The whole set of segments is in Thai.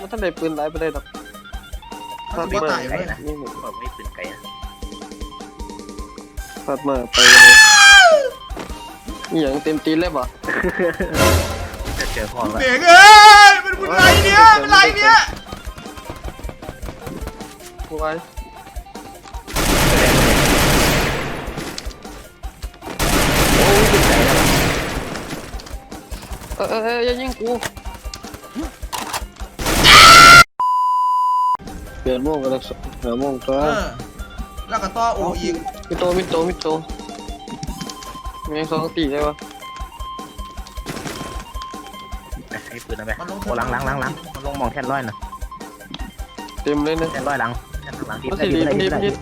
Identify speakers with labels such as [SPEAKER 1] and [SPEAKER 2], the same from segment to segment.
[SPEAKER 1] ท่านได้ปืนไหลไปได้หรอก
[SPEAKER 2] ถ้าตัวตายเลยนะ
[SPEAKER 1] นี่
[SPEAKER 3] ผมไม่ปืนไกลนะ
[SPEAKER 1] พัดมาไปเลยอย่างเต็มตีนเลยป่ะ
[SPEAKER 3] จะเจอพ่อแล้ว
[SPEAKER 2] เด็กเอ้ยเป็นไรเนี่ยเป็นไรเนี่ย
[SPEAKER 1] ไว้อย่ายิงกูเปลี่ยนโม่งกันแล้วหาโม่งตัว
[SPEAKER 2] แล้วก็ต่อโออีก
[SPEAKER 1] มิโตมีสองตีได้ปะ
[SPEAKER 3] ให้ปืนนะแม่โอ้หลังมันลงมองแท่นร้อยนะ
[SPEAKER 1] เต็มเลยนะ
[SPEAKER 3] แท่นร้อยหลังแท่นหลังที่
[SPEAKER 1] มัน
[SPEAKER 3] ได้
[SPEAKER 1] สิ
[SPEAKER 3] ยิ
[SPEAKER 1] ดี
[SPEAKER 3] งได้
[SPEAKER 1] มัน
[SPEAKER 3] ยิ
[SPEAKER 1] ดี
[SPEAKER 3] ง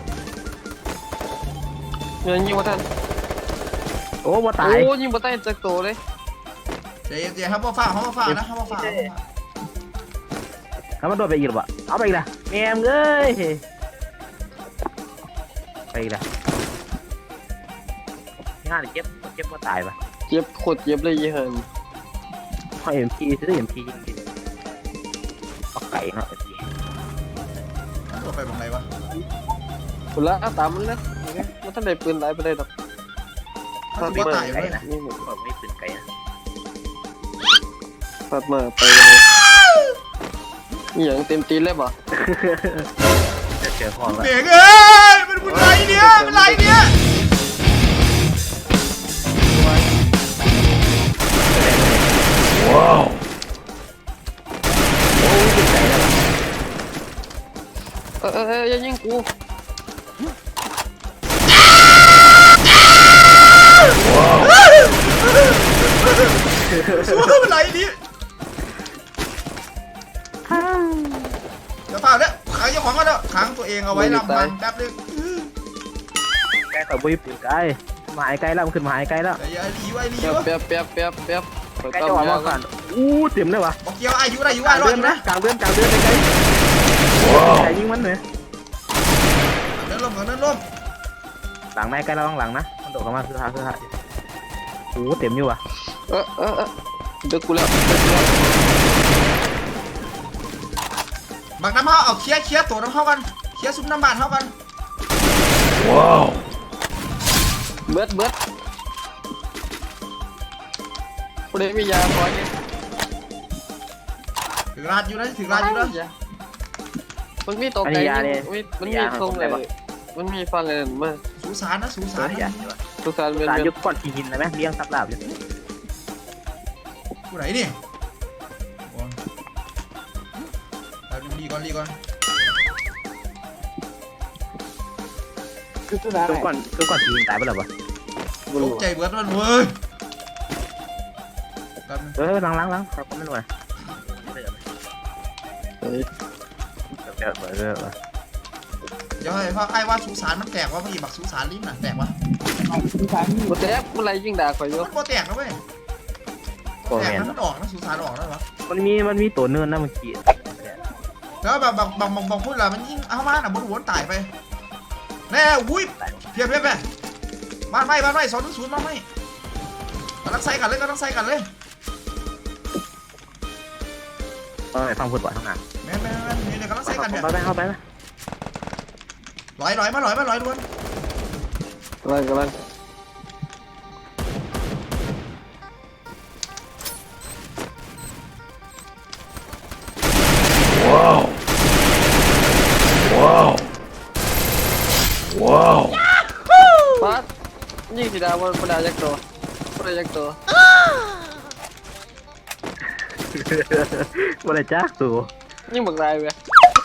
[SPEAKER 1] มันดียิงมาท่าน
[SPEAKER 3] โอ้บ่ตาย
[SPEAKER 1] โอ้ยิงมาใต้จากโตเลย
[SPEAKER 2] เจ๊ครับพ่อฟ้านะพ่อฟ้า
[SPEAKER 3] แล้วมันโดนไปอีกหรอวะเอาไปอีกละแม่มเอ้ยไปอีกละงานเจ็บบ่ตายปะ
[SPEAKER 1] เจ็บโคตรเจ็บเลยยี่ห้อ
[SPEAKER 3] พอเอ็มพีซื้อเอ็มพียิงดิเอาไก่เนาะเอ็มพี
[SPEAKER 2] ตัวไปตรงไหนวะ
[SPEAKER 1] คุณละตามมันนะมันท่านได้ปืนไหลไปได้หรอก
[SPEAKER 2] ถ้าตัวตาย
[SPEAKER 3] ไก่
[SPEAKER 2] เลย
[SPEAKER 3] นะผมไม่ปืนไก่นะ
[SPEAKER 1] พัดมาไปเลยอย่างเต็มตีนเลยป่ะ
[SPEAKER 3] จะเจอพ่อแล้ว
[SPEAKER 2] เด็กเอ้ยเป็นไรเนี่ยเป็นไรเนี่ย
[SPEAKER 3] ว้าวโอ้ยปืนไก่แล้ว
[SPEAKER 1] อย่ายิงกู
[SPEAKER 2] สู้เป็นไรนี่เดี๋ยวเปล่าเนี่ยขังเจ้าของก็แล้วขังตัวเองเอาไว้ลำพังแป๊บนึง
[SPEAKER 3] ไก่กับบุยปืนไก่หมายไก่แล้วมันขึ้นหมายไก่แล้ว
[SPEAKER 2] อย่าหลีไว้หลี
[SPEAKER 1] แป๊บไก่
[SPEAKER 3] จะว่ามาก่อนอู้เต็มเลยวะ
[SPEAKER 2] บอกเกี่ยวอายุได้อยู่ว่ารอดอยู่นะ
[SPEAKER 3] กลางเดือนไก่ไก่ยิงมันเลย
[SPEAKER 2] เดินล้ม
[SPEAKER 3] หลังแม่ไก่เราต้องหลังนะมันโดดเข้ามาคือหาโอ้เต็มอยู่วะ
[SPEAKER 1] เด็กกูแล้ว
[SPEAKER 2] บักน้ำเฮาเอาเคลียร์ตัวน้ำเฮากันเคลียร์ซุปน้ำบานเฮากัน
[SPEAKER 3] ว้าว
[SPEAKER 1] เบิดกูได้มียาพอเนี่ย
[SPEAKER 2] ถึงร้านอยู่นะถึงร้านอยู่นะ
[SPEAKER 1] มันมีตกใจมันมีทรงเลยมันมีฟันเลยมา
[SPEAKER 2] สูสารนะสูสาร
[SPEAKER 1] สุสานเป็น
[SPEAKER 3] สารยุคก่อนขี่หินนะไหมเลี้ยงซับลาบอยู่
[SPEAKER 2] ผู้ไหนนี่รีก่อน
[SPEAKER 3] คือก่อนขี่หินตายไปหรอวะ
[SPEAKER 2] ตกใจเบิดมันเว้ย
[SPEAKER 3] ล้างครับก็ไม่รู้นะเ
[SPEAKER 2] ดี๋ยวให้พ่อไอ้ว่าสูสารมันแตกว่าพี่บักสูสารลิ้นน่ะแตกวะ
[SPEAKER 1] กูแตกมันไรยิ่งด่าข่อยอยู่
[SPEAKER 2] มันก็แตกนะเว้ยแตกมันออกนะสูสารออกแล้ววะ
[SPEAKER 3] มันมีตัวเนินนะเมื่อกี้
[SPEAKER 2] แล้วแบบบางพูดละมันยิ่งเอามาหน่ะบนหัวตายไปแน่อุ้ยเพียบไปบ้านไม่210บ้านไม่กำลังใส่กันเลย
[SPEAKER 3] ฟังพูดบ่อยทั้งนั้น
[SPEAKER 2] แม่นี่เดี๋ยวกำลังใส่กันเนี่ย
[SPEAKER 3] เข้าไปนะ
[SPEAKER 2] ลอยล้วน
[SPEAKER 1] กำลังว้าวปัดยิงสีดาวมันได้ยักษ์ตัว
[SPEAKER 3] ว่าอะไรจ้าตัว
[SPEAKER 1] ยิงบักไรเว้ย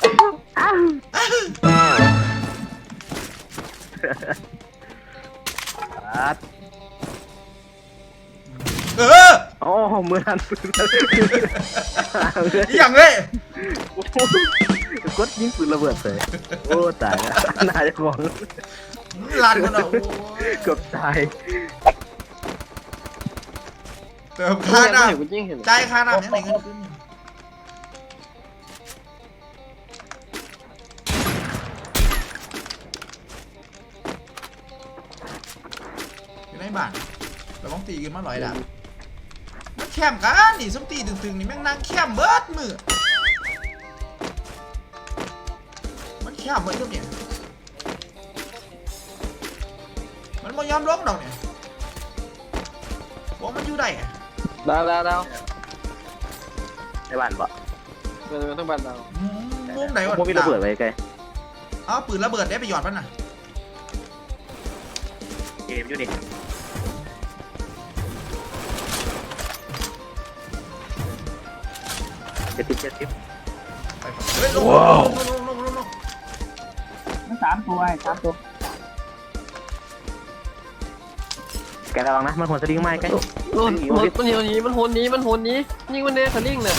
[SPEAKER 3] อ๋อมือทัน
[SPEAKER 2] อย่างเลย
[SPEAKER 3] กดยิงปืนระเบิดเลยโอ้ตายแล้วน่าจะมอง
[SPEAKER 2] ลานกันเหรอ
[SPEAKER 3] เกือบตาย
[SPEAKER 2] เติมค่าน้ำจ่ายค่าน้ำยังไงเงินขึ้นอยู่ในบ้านเราต้องตีกันมา100 ดาบมันแคมกันนี่ส้มตีตึงๆนี่แม่งนั่งแคมเบิดมือแค่เหมือนกับเนี่ยมันไม่ยอมลงดอกเนี่ยบอกมันอยู่ได้อะ
[SPEAKER 1] ดาว
[SPEAKER 3] ในบ้านบ่
[SPEAKER 1] เป็นทั้งบ้านดาว
[SPEAKER 2] มุมไหนวะ
[SPEAKER 3] พวกมีระเบิดไว้ไกล
[SPEAKER 2] เอาปืนระเบิดได้ไปหยอดมันน่ะ
[SPEAKER 3] เกมอยู่นี่70
[SPEAKER 2] ไปเฮ้ยลง
[SPEAKER 4] มัน3 ตัว3 ตัว
[SPEAKER 3] แกระวังนะมันหัวสลิงไม้ใกล้
[SPEAKER 1] มันโหนนี้มันโหนนี้ยิงมันแน่ทะลิ่งน่ะ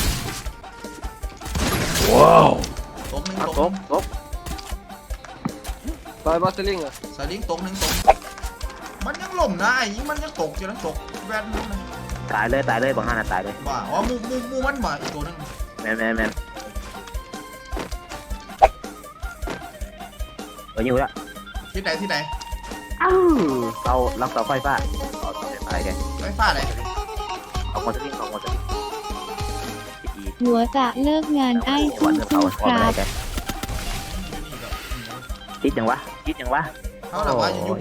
[SPEAKER 2] ตกหนึ่ง
[SPEAKER 3] ต
[SPEAKER 2] ต
[SPEAKER 3] ก
[SPEAKER 2] ก
[SPEAKER 3] ตก
[SPEAKER 1] ลอยบอสลิงอ่ะ
[SPEAKER 2] สลิงตกหนึ่งตกมันยังล่มนะไอ้นี่มันยังตกอยู่นั่นตกแวนนั่นนะ
[SPEAKER 3] ตายเลยบางฮันตายเลย
[SPEAKER 2] ว่าอ๋อมูมันบ่อีกตัวนึง
[SPEAKER 3] แมนอยู่ละ
[SPEAKER 2] ที่ไหน
[SPEAKER 3] เอาลักเสาไฟฟ้าเอาตายแก
[SPEAKER 2] ไฟฟ้าอะไร
[SPEAKER 3] เอาหัวสลิงอี
[SPEAKER 5] หัวจะเลิกงานไอ้
[SPEAKER 3] วั
[SPEAKER 5] สู้
[SPEAKER 3] นเผา
[SPEAKER 5] สู้ครับ
[SPEAKER 3] แกคิดยังวะ
[SPEAKER 2] เขาแบบว่าอยู่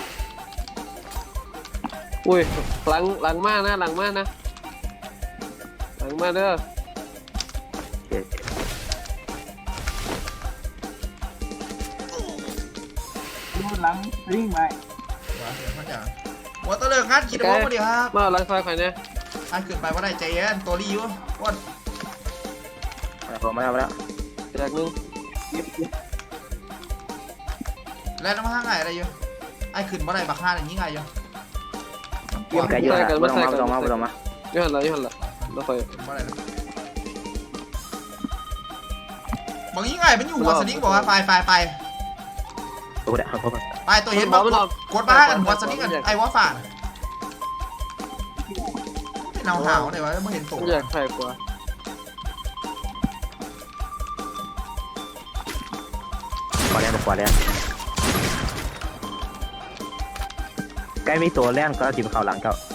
[SPEAKER 1] อุ้ยหลังมากนะหลังมาเด้อ
[SPEAKER 4] ดูหลังลิงไป
[SPEAKER 2] ว่าตัวเลิกงานคิดว่าพอดีครับ
[SPEAKER 1] มาหลังซอยใครเนี่ย
[SPEAKER 2] อันขึ้นไปว่าได้ใจเย็นตัวรีอยู่ว่า
[SPEAKER 3] มาแล้ว
[SPEAKER 1] จากนึง
[SPEAKER 2] แล้วน้ำห้างไงอะไรอยู่ไอ้ขึ้นว่าได้บักห้าอย่างนี้ไงอยู่
[SPEAKER 3] ไกลเยอะไม่ต้องมา
[SPEAKER 1] ยี่หันละแล้วคอย
[SPEAKER 2] ว่าอะไรบางยี่ไงมันอยู่หัวสลิงบอกว่าไป
[SPEAKER 3] โอ้เดี๋ยวเขา
[SPEAKER 2] ไปตัวเห็นบอกกดบ้ากันหัวสลิงกันไอ้ว่าฝ่าไม่เนาหาวเลยวะไม่เห็นตัว
[SPEAKER 1] อยากใส่กว่า
[SPEAKER 3] ขวาแล้วใกล้มีตัวแล่นก็จิ้มเข่าหลังเจ้า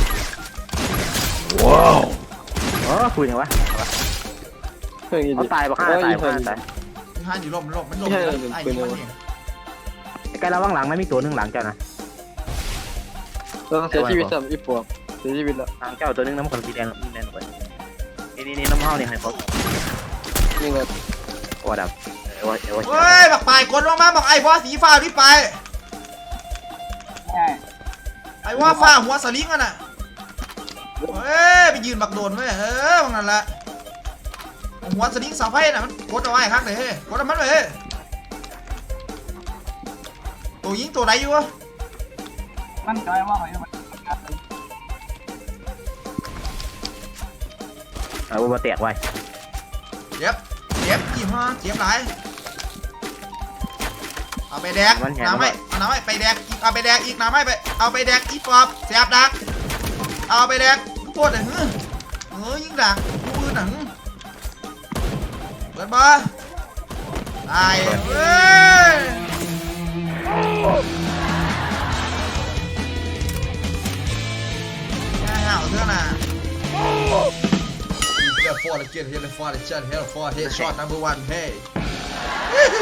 [SPEAKER 3] ว้าวคุยยังวะ
[SPEAKER 1] เพื่อนยิน
[SPEAKER 3] เขา
[SPEAKER 1] ดี
[SPEAKER 3] ตายบ้าตาย
[SPEAKER 2] ห้าอยู่ลมมันลมไอ้นี่มันเอง
[SPEAKER 3] ใกล้ระวังหลังไม่มีตัวนึงหลังเจ้านะ
[SPEAKER 1] เราเสียชีวิต3อีปวกเสียชีวิตแล้ว
[SPEAKER 3] หลังเจ้าตัวนึงน้ำขนสีแดงไปนี่น้ำเฮานี่ให้เขา
[SPEAKER 1] ยิงเลย
[SPEAKER 3] ว่าดับว่า
[SPEAKER 2] เฮ้ยบักไปกดลงมาบอกไอ้ว่าสีฟ้ารีบไป
[SPEAKER 4] ใช่
[SPEAKER 2] ไอ้ว่าฟ้าหัวสลิงกันน่ะเฮ้ยไปยืนบักโดนไว้บางนั้นแหละหัวสลิงเสาไฟน่ะมันกดเอาไว้ข้างไหนเฮ้ยกดเอามันไว้เฮ้ยตัวยิงตัวไหนอยู่วะ
[SPEAKER 4] มันใจว่าเขาจะมา
[SPEAKER 3] ว่าแตกไว้
[SPEAKER 2] เจ็บยี่ห้อเจ็บหลายเอาไปแดกน้ำไม่เอาน้ำไม่ไปแดกเอาไปแดกอีกน้ำไม่ไปเอาไปแดกอีปอบแสบดักเอาไปแดกโคตรเลยยิงดักผู้อื่นหนังเปิดบ่ตายเว้ยห่าวเท่าน่ะHere for the kid, here for the chat, here for headshot number 1, hey.